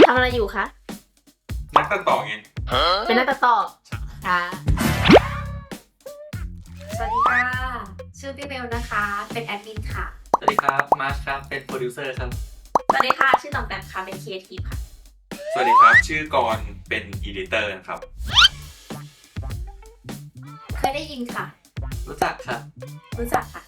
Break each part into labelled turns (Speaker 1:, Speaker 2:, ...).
Speaker 1: ทำอะไรอยู่คะ
Speaker 2: นักตัดต่อไง
Speaker 1: เป็นนักตัดต่อค่ะ
Speaker 3: สวัสดีค่ะ ชื่อพี่เบลนะคะ เป็นแอดมินค่ะ
Speaker 4: สวัสดีครับ มาร์ชครับ เป็นโปรดิวเซอร์ครับ
Speaker 1: สวัสดีค่ะ ชื่อตองแตมค่ะ เป็นครีเอทีฟค่ะ
Speaker 2: สวัสดีครับ ชื่อกรณ์เป็นอีดิเตอร์นะครับ
Speaker 3: เคยได้ยินค่ะ
Speaker 4: รู้จักครับ
Speaker 3: รู้จักค่ะ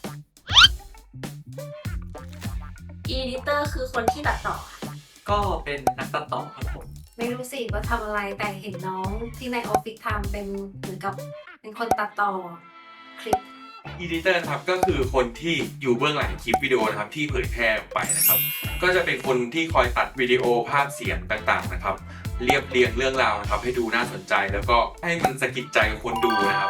Speaker 1: อีดิเตอร์คือคนที่ตัดต่อค่ะ
Speaker 4: ก็เป็นนักตัดต่อครับผม
Speaker 3: ไม่รู้สิว่าทำอะไรแต่เห็นน้องที่ในออฟฟิศทำเป็นเหมือนกับเป็นคนตัดต่อคลิป
Speaker 2: อีดิเตอร์นะครับก็คือคนที่อยู่เบื้องหลังคลิปวิดีโอนะครับที่เผยแพร่ออกไปนะครับ ก็จะเป็นคนที่คอยตัดวิดีโอภาพเสียงต่างๆนะครับ เรียบเรียงเรื่องราวนะครับให้ดูน่าสนใจแล้วก็ให้มันสะกิดใจคนดูนะครับ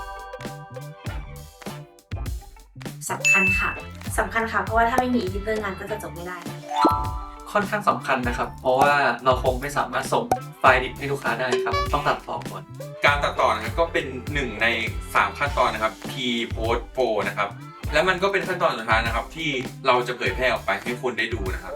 Speaker 3: สำคัญค่ะ
Speaker 1: สำคัญค่ะ เพราะว่าถ้าไม่มีอีดิเตอร์งานก็จะจบไม่ได้
Speaker 4: ค่อนข้างสำคัญนะครับ เพราะว่าเราคงไม่สามารถส่งไฟล์ดิบให้ลูกค้าได้ครับ ต้องตัดต่อก่อน
Speaker 2: การตัดต่อนะครับก็เป็น1ใน3ขั้นตอนนะครับ Pre Post Pro นะครับ และมันก็เป็นขั้นตอนสุดท้ายนะครับที่เราจะเผยแพร่ออกไปให้คนได้ดูนะครับ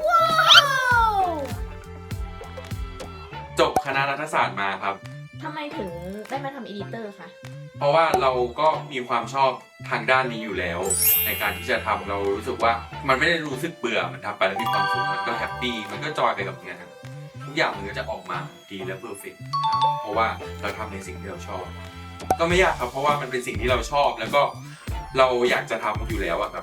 Speaker 2: จบคณะรัฐศาสตร์มาครับ
Speaker 1: ทำไมถึงได้มาทำอีดิเตอร์คะ
Speaker 2: เพราะว่าเราก็มีความชอบทางด้านนี้อยู่แล้ว ในการที่จะทำเรารู้สึกว่ามันไม่ได้รู้สึกเบื่อมันทำไปแล้วมีความสุขมันก็แฮปปี้มันก็จอยไปกับงานทุกอย่างมันก็จะออกมาดีและเพอร์เฟกต์เพราะว่าเราทำในสิ่งที่เราชอบ ก็ไม่ยากครับเพราะว่ามันเป็นสิ่งที่เราชอบแล้วก็เราอยากจะทำอยู่แล้วอะครับ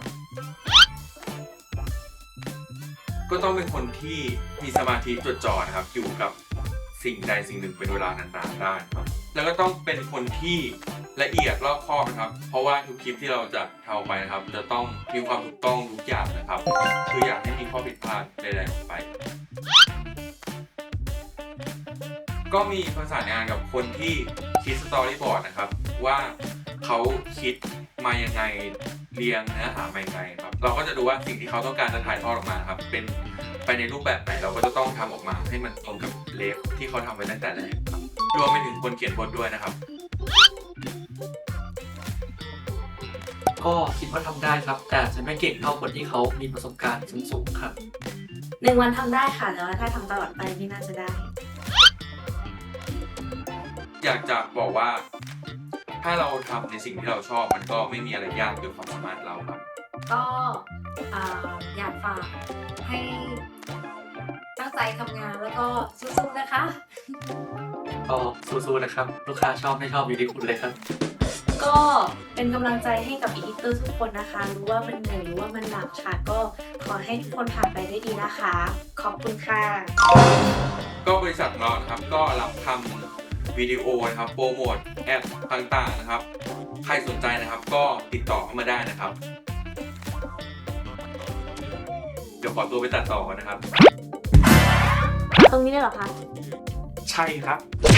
Speaker 2: ก็ต้องเป็นคนที่มีสมาธิจดจ่อนะครับอยู่กับสิ่งใดสิ่งหนึ่งเป็นเวลานานๆได้ครับแล้วก็ต้องเป็นคนที่ละเอียดรอบคอบนะครับ เพราะว่าทุกคลิปที่เราจะทำไปนะครับ จะต้องมีความถูกต้องทุกอย่างนะครับ คืออยากให้มีข้อผิดพลาดใดๆออกไป ก็มีประสานงานกับคนที่คิดสตอรี่บอร์ดนะครับว่าเขาคิดมายังไงเรียงเนื้อหามายังไงครับเราก็จะดูว่าสิ่งที่เขาต้องการจะถ่ายทอดออกมาครับเป็นไปในรูปแบบไหนเราก็จะต้องทำออกมาให้มันตรงกับเลฟที่เขาทำไว้ตั้งแต่แรกครับรวมไปถึงคนเขียนบทด้วยนะครับ
Speaker 4: ก็คิดว่าทำได้ครับ แต่อาจจะไม่เก่งเท่าคนที่เขามีประสบการณ์สูงๆครับ
Speaker 1: 1 วันทำได้ค่ะ แต่ว่าถ้าทำตลอดไปไม่น่าจะได้
Speaker 2: อยากจะบอกว่า ถ้าเราทำในสิ่งที่เราชอบมันก็ไม่มีอะไรยากเกินความสามารถเราครับ
Speaker 3: ก็อยากฝากให้ตั้งใจทำงานแล้วก็สู้ๆนะคะ
Speaker 4: ก็สู้ๆนะครับ ลูกค้าชอบไม่ชอบอยู่ที่คุณเลยครับ
Speaker 1: ก็เป็นกำลังใจให้กับอีดิเตอร์ทุกคนนะคะ รู้ว่ามันเหนื่อยรู้ว่ามันหนักค่ะ ก็ขอให้ทุกคนผ่านไปได้ดีนะคะ ขอบคุณค่ะ
Speaker 2: ก็บริษัทของเรานะครับก็รับทำวิดีโอนะครับโปรโมทแอดต่างๆนะครับ ใครสนใจนะครับก็ติดต่อเข้ามาได้นะครับ เดี๋ยวขอตัวไปตัดต่อก่อนนะครับ
Speaker 1: ตรงนี้ได้เหรอคะ
Speaker 2: ใช่ครับ